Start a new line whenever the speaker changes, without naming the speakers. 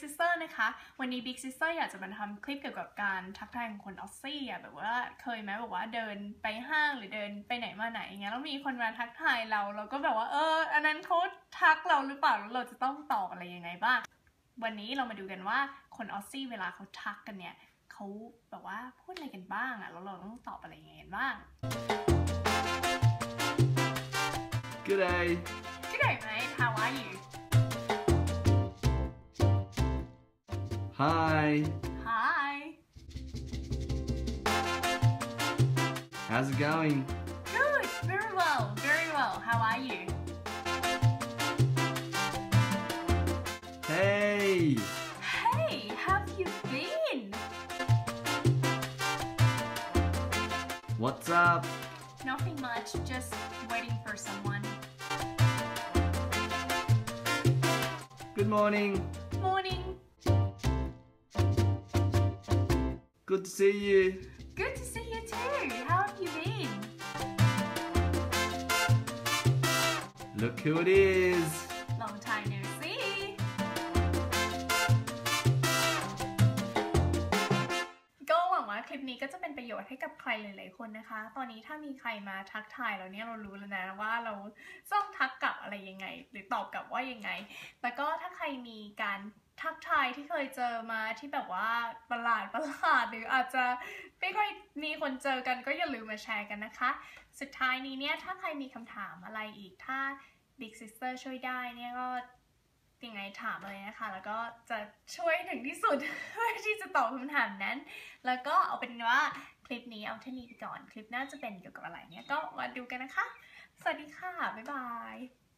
Sister นะคะวันนี้ Big Sister อยากจะมาทำคลิปเกี่ยวกับการทักทายของคนออสซี่อ่ะแบบว่าเคยไหมแบบว่าเดินไปห้างหรือเดินไปไหนมาไหนอย่างเงี้ยแล้วมีคนมาทักทายเราก็แบบว่าอันนั้นเขาทักเราหรือเปล่าแล้วเราจะต้องตอบอะไรยังไงบ้างวันนี้เรามาดูกันว่าคนออสซี่เวลาเขาทักกันเนี่ยเขาแบบว่าพูดอะไรกันบ้างอ่ะแล้วเราต้องตอบอะไรยังไงกันบ้าง
Good day.
Good day, mate. How are you?
Hi.
Hi.
How's it going?
Good. Very well. Very well. How are you?
Hey.
Hey, how have you been?
What's up?
Nothing much. Just waiting for someone.
Good morning.
Morning.
Good to see you.
Good to see you too. How have you been?
Look who it is.
Long time no see. ก็หวังว่าคลิปนี้ก็จะเป็นประโยชน์ให้กับใครหลายๆคนนะคะตอนนี้ถ้ามีใครมาทักทายเราเนี่ยเรารู้แล้วนะว่าเราต้องทักกลับอะไรยังไงหรือตอบกลับว่ายังไงแต่ก็ถ้าใครมีการทักทายที่เคยเจอมาที่แบบว่าประหลาดหรืออาจจะไม่ค่อยมีคนเจอกันก็อย่าลืมมาแชร์กันนะคะสุดท้ายนี้เนี่ยถ้าใครมีคำถามอะไรอีกถ้า Big Sister ช่วยได้เนี่ยก็ยังไงถามเลยนะคะแล้วก็จะช่วยถึงที่สุด เพื่อที่จะตอบคำถามนั้นแล้วก็เอาเป็นว่าคลิปนี้เอาเท่านี้ก่อนคลิปหน้าจะเป็นเกี่ยวกับอะไรเนี่ยก็มาดูกันนะคะสวัสดีค่ะบ๊ายบาย